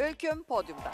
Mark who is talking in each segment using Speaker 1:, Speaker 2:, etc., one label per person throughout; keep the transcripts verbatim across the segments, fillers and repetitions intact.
Speaker 1: Ülküm podyumda.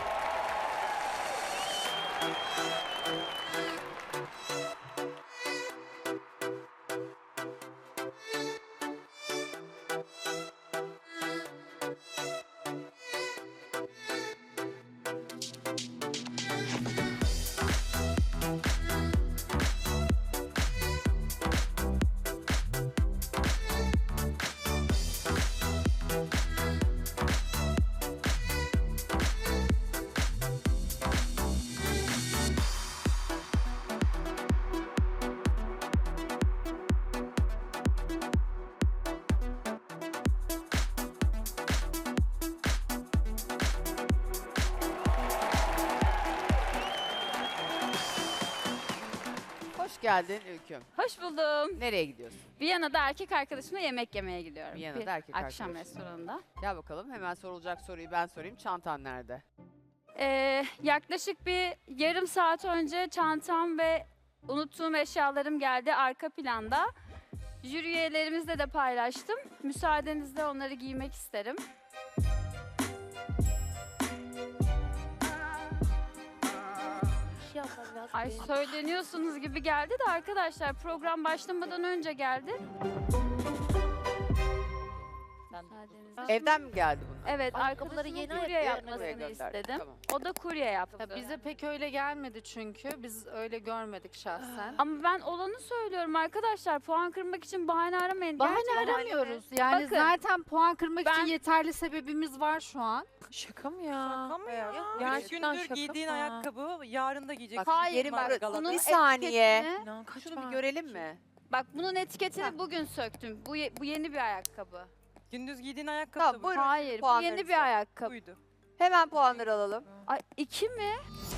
Speaker 1: Hoş geldin Ülküm.
Speaker 2: Hoş buldum.
Speaker 1: Nereye gidiyorsun?
Speaker 2: Viyana'da erkek arkadaşımla yemek yemeye gidiyorum.
Speaker 1: Viyana'da
Speaker 2: Bir
Speaker 1: erkek
Speaker 2: akşam
Speaker 1: arkadaşınla.
Speaker 2: restoranında.
Speaker 1: Gel bakalım, hemen sorulacak soruyu ben sorayım. Çantan nerede?
Speaker 2: Ee, yaklaşık bir yarım saat önce çantam ve unuttuğum eşyalarım geldi arka planda. Jüri üyelerimizle de paylaştım. Müsaadenizle onları giymek isterim. Ay söyleniyorsunuz gibi geldi de arkadaşlar program başlamadan önce geldi. Müsaadenizle.
Speaker 1: Evden mi geldi bunlar?
Speaker 2: Evet,
Speaker 3: Ayakkabıları
Speaker 2: arkadaşımın
Speaker 3: yeni
Speaker 2: kurye
Speaker 3: ayakkabı
Speaker 2: yapmasını
Speaker 1: Buraya gönderdim.
Speaker 2: istedim.
Speaker 1: Tamam.
Speaker 2: O da kurye yaptı.
Speaker 4: Ya bize pek öyle gelmedi çünkü. Biz öyle görmedik şahsen.
Speaker 2: Ama ben olanı söylüyorum arkadaşlar. Puan kırmak için bahane aramayın.
Speaker 4: Bahane
Speaker 2: Gerçekten-
Speaker 4: aramıyoruz. Yani
Speaker 2: Bakın,
Speaker 4: zaten puan kırmak
Speaker 2: ben-
Speaker 4: için yeterli sebebimiz var şu an.
Speaker 5: Şaka mı ya?
Speaker 6: Şaka mı ya?
Speaker 5: Gerçekten
Speaker 6: Üç gündür
Speaker 5: şaka
Speaker 6: giydiğin
Speaker 5: mı?
Speaker 6: ayakkabı yarın da giyeceksin.
Speaker 1: Bak,
Speaker 2: Hayır,
Speaker 1: yerim
Speaker 2: bak,
Speaker 1: var.
Speaker 2: bunun
Speaker 1: Bir saniye.
Speaker 2: etiketini-
Speaker 5: İnan kaç
Speaker 1: Şunu bir
Speaker 5: var?
Speaker 1: görelim mi?
Speaker 2: Bak bunun etiketini bugün söktüm. Bu, ye- bu yeni bir ayakkabı.
Speaker 6: Gündüz giydiğin ayakkabı
Speaker 1: Tamam,
Speaker 6: da bu.
Speaker 1: buyurun.
Speaker 2: Hayır, bu
Speaker 1: puanlarınızı.
Speaker 2: yeni bir ayakkabı.
Speaker 6: Buydu.
Speaker 1: Hemen puanları alalım.
Speaker 2: Ay iki mi?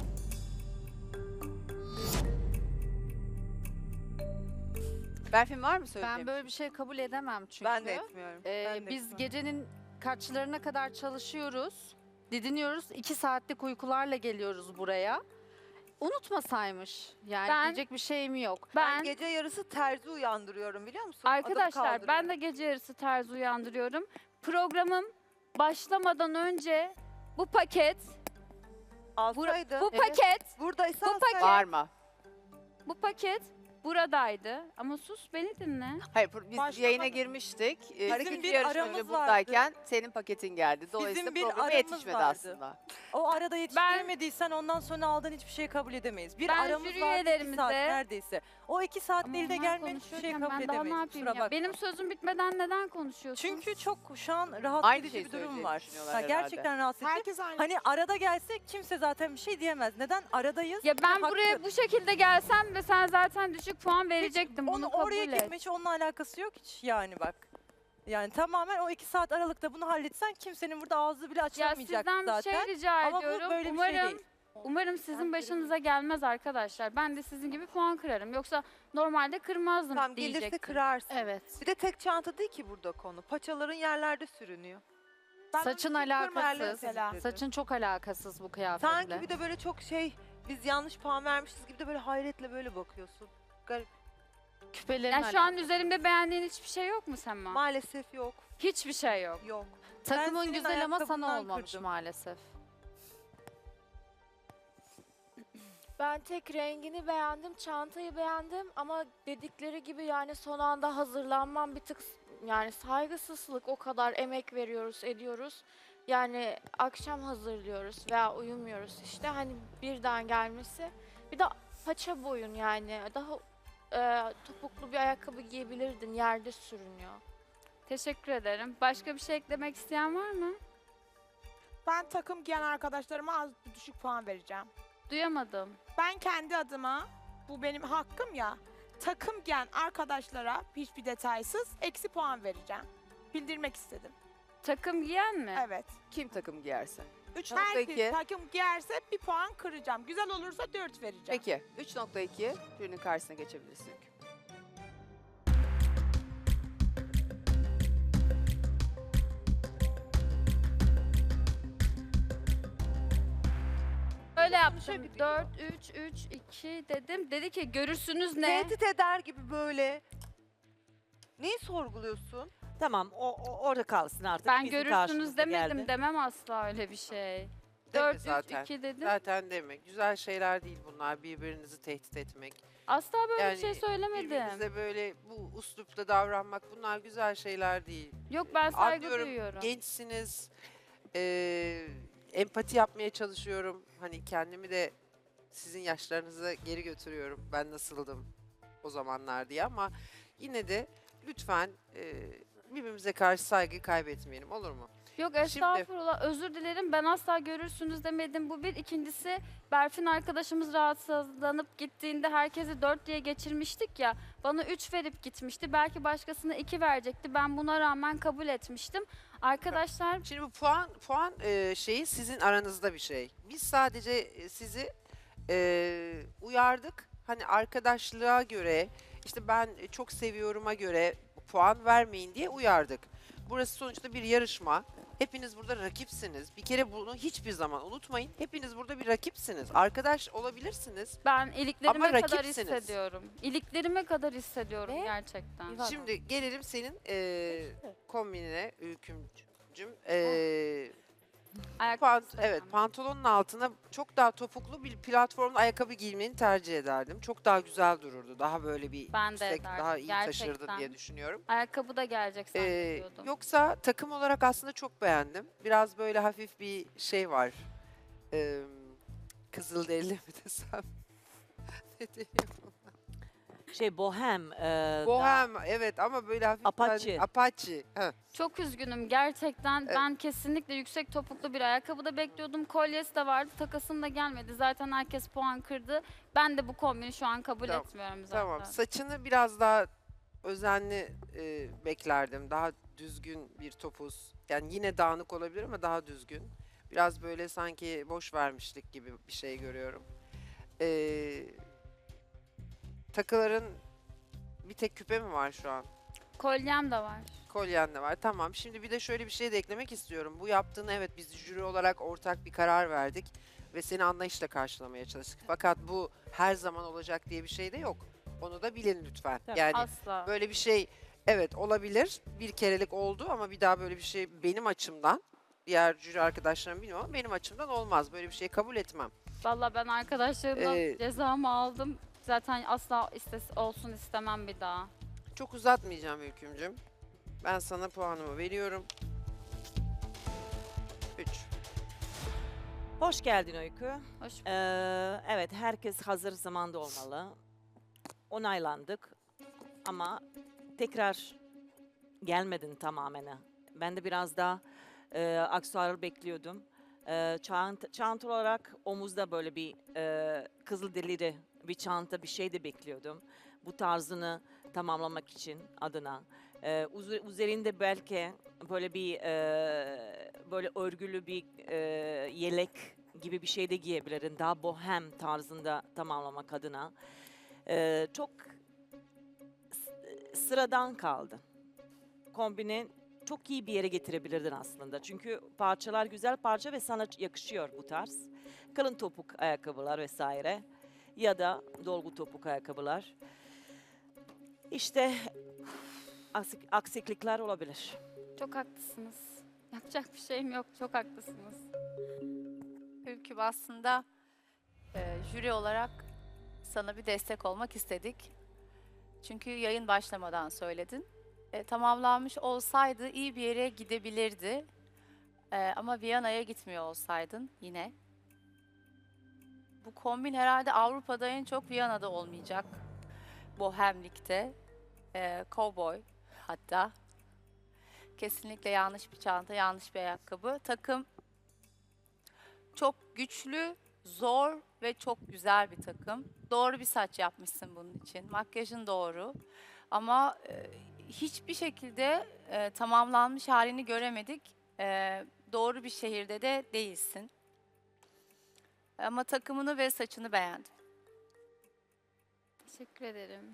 Speaker 1: Berfin var mı söyleyeceğim?
Speaker 4: Ben böyle bir şey kabul edemem çünkü.
Speaker 6: Ben de etmiyorum.
Speaker 4: Ee,
Speaker 6: Ben de
Speaker 4: biz
Speaker 6: etmem.
Speaker 4: gecenin kaçlarına kadar çalışıyoruz. Didiniyoruz. iki saatlik uykularla geliyoruz buraya. Unutmasaymış. Yani
Speaker 2: Ben-
Speaker 4: diyecek bir şeyim yok.
Speaker 2: Ben,
Speaker 7: Gece yarısı terzi uyandırıyorum biliyor musun? Adım
Speaker 2: arkadaşlar ben
Speaker 7: kaldırıyorum.
Speaker 2: de gece yarısı terzi uyandırıyorum. Programım başlamadan önce bu paket, bu,
Speaker 7: alsaydın.
Speaker 2: bu
Speaker 7: Evet.
Speaker 2: paket,
Speaker 7: Buradaysa
Speaker 2: bu
Speaker 7: alsaydın.
Speaker 1: Bağırma.
Speaker 2: bu paket buradaydı. Ama sus beni dinle.
Speaker 1: Hayır, bu- biz
Speaker 6: Başlamadı.
Speaker 1: yayına girmiştik. Ee,
Speaker 6: Bizim
Speaker 1: ikinci
Speaker 6: bir
Speaker 1: yarışmacı
Speaker 6: aramız
Speaker 1: buradayken senin paketin geldi. Dolayısıyla
Speaker 6: bir
Speaker 1: programa
Speaker 6: aramız
Speaker 1: yetişmedi
Speaker 6: vardı.
Speaker 1: aslında.
Speaker 6: O arada yetiştiremediysen ondan sonra aldığın hiçbir şey kabul edemeyiz. Bir
Speaker 2: Ben
Speaker 6: aramız
Speaker 2: jüri
Speaker 6: vardı iki
Speaker 2: üyelerimize-
Speaker 6: saat neredeyse. O iki saat
Speaker 2: Ama
Speaker 6: elde
Speaker 2: onlar
Speaker 6: gelmeyen hiçbir şey
Speaker 2: konuşuyorken
Speaker 6: kabul
Speaker 2: ben daha ne
Speaker 6: edemeyiz.
Speaker 2: yapayım
Speaker 6: Kusura
Speaker 2: ya?
Speaker 6: bakma.
Speaker 2: Benim sözüm bitmeden neden konuşuyorsun?
Speaker 6: Çünkü çok şu an rahatsız
Speaker 1: Aynı
Speaker 6: edici
Speaker 1: şeyi
Speaker 6: bir durum
Speaker 1: söyleyeceğini
Speaker 6: var.
Speaker 1: düşünüyorlar
Speaker 6: Ha,
Speaker 1: herhalde.
Speaker 6: gerçekten rahatsız edici.
Speaker 5: Herkes aynı.
Speaker 6: Hani arada gelse kimse zaten bir şey diyemez. Neden? Aradayız.
Speaker 2: Ya ben
Speaker 6: Haklı.
Speaker 2: buraya bu şekilde gelsem ve sen zaten düşük puan verecektin.
Speaker 6: Onu
Speaker 2: Bunu kabul
Speaker 6: oraya
Speaker 2: et.
Speaker 6: gitme hiç onunla alakası yok hiç yani bak. Yani tamamen o iki saat aralıkta bunu halletsen kimsenin burada ağzı bile
Speaker 2: Ya
Speaker 6: açılmayacak
Speaker 2: sizden bir
Speaker 6: zaten.
Speaker 2: şey rica
Speaker 6: Ama bu
Speaker 2: ediyorum.
Speaker 6: böyle bir
Speaker 2: umarım,
Speaker 6: şey değil.
Speaker 2: umarım sizin başınıza gelmez arkadaşlar. Ben de sizin gibi puan kırarım. Yoksa normalde kırmazdım
Speaker 7: Tamam gelirse
Speaker 2: diyecektim.
Speaker 7: kırarsın.
Speaker 4: Evet.
Speaker 7: Bir de tek çanta değil ki burada konu. Paçaların yerlerde sürünüyor.
Speaker 4: Saçın alakasız. Saçın çok alakasız bu kıyafetle.
Speaker 7: Sanki bir de böyle çok şey biz yanlış puan vermişiz gibi de böyle hayretle böyle bakıyorsun. Garip.
Speaker 4: Küpelerin
Speaker 2: Ya şu an
Speaker 4: alakası.
Speaker 2: üzerimde beğendiğin hiçbir şey yok mu Sema?
Speaker 7: Maalesef yok.
Speaker 2: Hiçbir şey yok.
Speaker 7: Yok.
Speaker 4: Takımın
Speaker 6: senin
Speaker 4: güzel ama sana
Speaker 6: ayakkabından
Speaker 4: olmamış
Speaker 6: kırdım.
Speaker 4: maalesef.
Speaker 3: Ben tek rengini beğendim, çantayı beğendim ama dedikleri gibi yani son anda hazırlanmam bir tık s- yani saygısızlık, o kadar emek veriyoruz, ediyoruz. Yani akşam hazırlıyoruz veya uyumuyoruz işte hani birden gelmesi. Bir de paça boyun yani daha e, topuklu bir ayakkabı giyebilirdin, yerde sürünüyor.
Speaker 2: Teşekkür ederim. Başka bir şey eklemek isteyen var mı?
Speaker 5: Ben takım giyen arkadaşlarıma az düşük puan vereceğim.
Speaker 2: Duyamadım.
Speaker 5: Ben kendi adıma, bu benim hakkım ya, takım giyen arkadaşlara hiçbir detaysız eksi puan vereceğim. Bildirmek istedim.
Speaker 2: Takım giyen mi?
Speaker 5: Evet.
Speaker 1: Kim takım giyerse. üç
Speaker 5: Herkes
Speaker 1: nokta iki.
Speaker 5: takım giyerse bir puan kıracağım. Güzel olursa dört vereceğim.
Speaker 1: Peki. üç nokta iki. Jürinin karşısına geçebilirsin.
Speaker 2: Öyle yaptım. dört, üç, üç, iki dedim. Dedi ki görürsünüz ne?
Speaker 7: Tehdit eder gibi böyle. Neyi sorguluyorsun?
Speaker 8: Tamam o, o orada kalsın artık.
Speaker 2: Ben
Speaker 8: Bizim
Speaker 2: görürsünüz
Speaker 8: karşımıza
Speaker 2: demedim,
Speaker 8: geldi.
Speaker 2: demem asla öyle bir şey.
Speaker 9: Deme
Speaker 2: dört üç
Speaker 9: zaten.
Speaker 2: iki dedim.
Speaker 9: Zaten deme. Güzel şeyler değil bunlar. Birbirinizi tehdit etmek.
Speaker 2: Asla böyle bir
Speaker 9: Yani
Speaker 2: şey söylemedim.
Speaker 9: Birbirinize böyle bu üslupla davranmak bunlar güzel şeyler değil.
Speaker 2: Yok, ben saygı
Speaker 9: Anlıyorum,
Speaker 2: duyuyorum.
Speaker 9: Gençsiniz. eee, empati yapmaya çalışıyorum. Hani kendimi de sizin yaşlarınıza geri götürüyorum. Ben nasıldım o zamanlar diye ama yine de lütfen eee, birbirimize karşı saygı kaybetmeyelim, olur mu?
Speaker 2: Yok
Speaker 9: Şimdi-
Speaker 2: estağfurullah, özür dilerim, ben asla görürsünüz demedim, bu bir. İkincisi, Berfin arkadaşımız rahatsızlanıp gittiğinde herkesi dört diye geçirmiştik ya, bana üç verip gitmişti, belki başkasına iki verecekti, ben buna rağmen kabul etmiştim. Arkadaşlar
Speaker 9: Şimdi bu puan puan eee, şeyi sizin aranızda bir şey. Biz sadece e, sizi eee, uyardık. Hani arkadaşlığa göre, işte ben e, çok seviyorum'a göre puan vermeyin diye uyardık. Burası sonuçta bir yarışma. Hepiniz burada rakipsiniz. Bir kere bunu hiçbir zaman unutmayın. Hepiniz burada bir rakipsiniz. Arkadaş olabilirsiniz.
Speaker 2: ben iliklerime
Speaker 9: Ama
Speaker 2: kadar
Speaker 9: rakipsiniz.
Speaker 2: hissediyorum. İliklerime kadar hissediyorum gerçekten.
Speaker 3: İvan-
Speaker 9: Şimdi gelelim senin eee kombinine Ülkümcüm. Eee
Speaker 2: Ayak
Speaker 9: Pant-
Speaker 2: istedim.
Speaker 9: evet, pantolonun altına çok daha topuklu bir platformlu ayakkabı giymeni tercih ederdim. Çok daha güzel dururdu. Daha böyle bir
Speaker 2: Ben de
Speaker 9: yüksek,
Speaker 2: ederdim,
Speaker 9: daha iyi taşırdın
Speaker 2: gerçekten.
Speaker 9: diye düşünüyorum.
Speaker 2: Ayakkabı da gelecek
Speaker 9: Ee,
Speaker 2: zannediyordum.
Speaker 9: yoksa takım olarak aslında çok beğendim. Biraz böyle hafif bir şey var. Ee, Kızılderili mi desem? Ne diyeyim?
Speaker 8: Şey bohem. e, daha-
Speaker 9: Bohem, evet, ama böyle hafif
Speaker 8: Apache.
Speaker 9: ben- Apache. Heh.
Speaker 2: Çok üzgünüm gerçekten.
Speaker 9: Evet.
Speaker 2: Ben kesinlikle yüksek topuklu bir ayakkabı da bekliyordum. Kolyesi de vardı. Takasım da gelmedi. Zaten herkes puan kırdı. Ben de bu kombini şu an kabul
Speaker 9: Tamam,
Speaker 2: etmiyorum zaten.
Speaker 9: Tamam. Saçını biraz daha özenli e, beklerdim. Daha düzgün bir topuz. Yani yine dağınık olabilir ama daha düzgün. Biraz böyle sanki boş vermişlik gibi bir şey görüyorum. Ee, takıların bir tek küpe mi var şu an?
Speaker 2: Kolyem de var.
Speaker 9: Kolyen de var. Tamam. Şimdi bir de şöyle bir şey de eklemek istiyorum. Bu yaptığını, evet, biz jüri olarak ortak bir karar verdik ve seni anlayışla karşılamaya çalıştık. Fakat bu her zaman olacak diye bir şey de yok. Onu da bilin lütfen.
Speaker 8: Tabii.
Speaker 9: Yani
Speaker 2: Asla.
Speaker 9: böyle bir şey, evet, olabilir. Bir kerelik oldu ama bir daha böyle bir şey benim açımdan, diğer jüri arkadaşlarım bilmiyorum ama benim açımdan olmaz. Böyle bir şey kabul etmem.
Speaker 2: Vallahi ben arkadaşlarımdan
Speaker 9: Ee,
Speaker 2: cezamı aldım. Zaten asla istes olsun istemem bir daha.
Speaker 9: Çok uzatmayacağım Ülkümcüm. Ben sana puanımı veriyorum. üç.
Speaker 8: Hoş geldin Öykü.
Speaker 2: Hoş
Speaker 8: Ee, evet herkes hazır zamanda olmalı. Onaylandık ama tekrar gelmedin tamamen. Ben de biraz daha e, aksesuar bekliyordum. E, çanta, çanta olarak omuzda böyle bir e, kızılderili bir çanta bir şey de bekliyordum. Bu tarzını tamamlamak için adına. E, uz- üzerinde belki böyle bir e, böyle örgülü bir e, yelek gibi bir şey de giyebilirdin. Daha bohem tarzında tamamlamak adına. Ee, çok s- sıradan kaldı. Kombini çok iyi bir yere getirebilirdin aslında. Çünkü parçalar güzel parça ve sana yakışıyor bu tarz. Kalın topuk ayakkabılar vesaire. Ya da dolgu topuk ayakkabılar. İşte aksik, aksiklikler olabilir.
Speaker 2: Çok haklısınız. Yapacak bir şeyim yok. Çok haklısınız.
Speaker 10: Ülkü aslında e, jüri olarak sana bir destek olmak istedik. Çünkü yayın başlamadan söyledin. E, tamamlanmış olsaydı iyi bir yere gidebilirdi. E, ama Viyana'ya gitmiyor olsaydın yine. Bu kombin herhalde Avrupa'da en çok Viyana'da olmayacak. Bohemlikte. E, cowboy hatta. Kesinlikle yanlış bir çanta, yanlış bir ayakkabı. Takım çok güçlü, zor ve çok güzel bir takım. Doğru bir saç yapmışsın bunun için. Makyajın doğru. Ama e, hiçbir şekilde e, tamamlanmış halini göremedik. E, doğru bir şehirde de değilsin. Ama takımını ve saçını beğendim.
Speaker 2: Teşekkür ederim.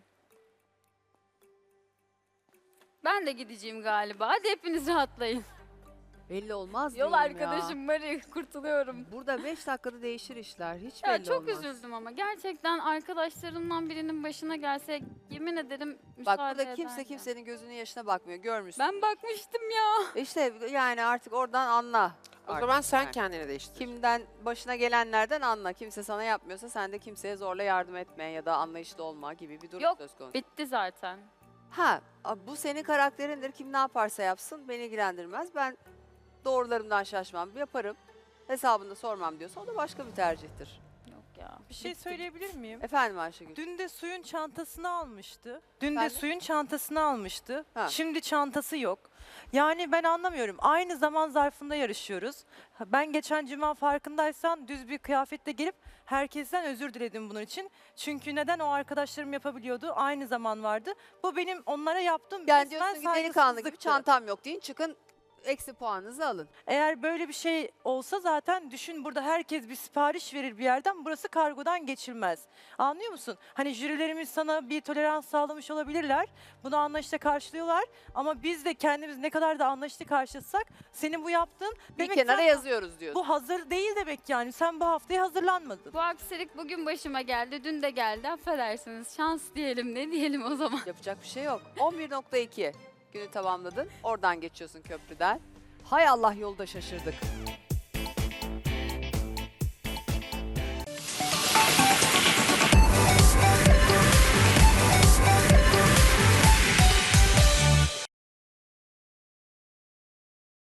Speaker 2: Ben de gideceğim galiba. Hadi hepiniz rahatlayın.
Speaker 1: Belli olmaz
Speaker 2: Yol
Speaker 1: diyorum ya.
Speaker 2: arkadaşım Mari, kurtuluyorum.
Speaker 1: Burada beş dakikada değişir işler. Hiç
Speaker 2: Ya
Speaker 1: belli
Speaker 2: çok
Speaker 1: olmaz.
Speaker 2: üzüldüm ama gerçekten arkadaşlarımdan birinin başına gelse yemin ederim
Speaker 1: Bak
Speaker 2: müsaade
Speaker 1: burada kimse
Speaker 2: ederdim.
Speaker 1: kimsenin gözünün yaşına bakmıyor. Görmüşsün.
Speaker 2: Ben bakmıştım ya.
Speaker 1: İşte yani artık oradan anla.
Speaker 9: O
Speaker 1: Artık
Speaker 9: zaman sen
Speaker 1: yani.
Speaker 9: kendini değiştir.
Speaker 1: Kimden başına gelenlerden anla. Kimse sana yapmıyorsa sen de kimseye zorla yardım etme ya da anlayışlı olma gibi bir durum
Speaker 2: Yok,
Speaker 1: söz konusu.
Speaker 2: Bitti zaten.
Speaker 1: Ha, a- bu senin karakterindir. Kim ne yaparsa yapsın beni ilgilendirmez. Ben doğrularımdan şaşmam, yaparım. Hesabını da sormam diyorsa o da başka bir tercihtir.
Speaker 2: Yok ya.
Speaker 6: Bir şey
Speaker 2: bitti.
Speaker 6: söyleyebilir miyim?
Speaker 1: Efendim Ayşegül.
Speaker 6: Dün de suyun çantasını almıştı. Dün de
Speaker 1: Efendim?
Speaker 6: suyun çantasını almıştı.
Speaker 1: Ha.
Speaker 6: Şimdi çantası yok. Yani ben anlamıyorum. Aynı zaman zarfında yarışıyoruz. Ha, Ben geçen cuma farkındaysan düz bir kıyafetle gelip herkesten özür diledim bunun için. Çünkü neden o arkadaşlarım yapabiliyordu? Aynı zaman vardı. Bu benim onlara yaptığım
Speaker 1: Yani
Speaker 6: resmen
Speaker 1: diyorsun ki delikanlı gibi
Speaker 6: saygısızlıktı.
Speaker 1: çantam yok deyin çıkın eksi puanınızı alın.
Speaker 6: Eğer böyle bir şey olsa zaten düşün, burada herkes bir sipariş verir bir yerden, burası kargodan geçilmez. Anlıyor musun? Hani jürilerimiz sana bir tolerans sağlamış olabilirler. Bunu anlayışla karşılıyorlar. Ama biz de kendimiz ne kadar da anlayışlı karşılasak senin bu yaptığın
Speaker 1: Bir
Speaker 6: demek
Speaker 1: kenara
Speaker 6: sen-
Speaker 1: yazıyoruz diyorsun.
Speaker 6: bu hazır değil demek yani. Sen bu haftaya hazırlanmadın.
Speaker 2: Bu aksilik bugün başıma geldi, dün de geldi. Affedersiniz. Şans diyelim, ne diyelim o zaman.
Speaker 1: Yapacak bir şey yok. on bir nokta iki günü tamamladın. Oradan geçiyorsun köprüden. Hay Allah yolda şaşırdık.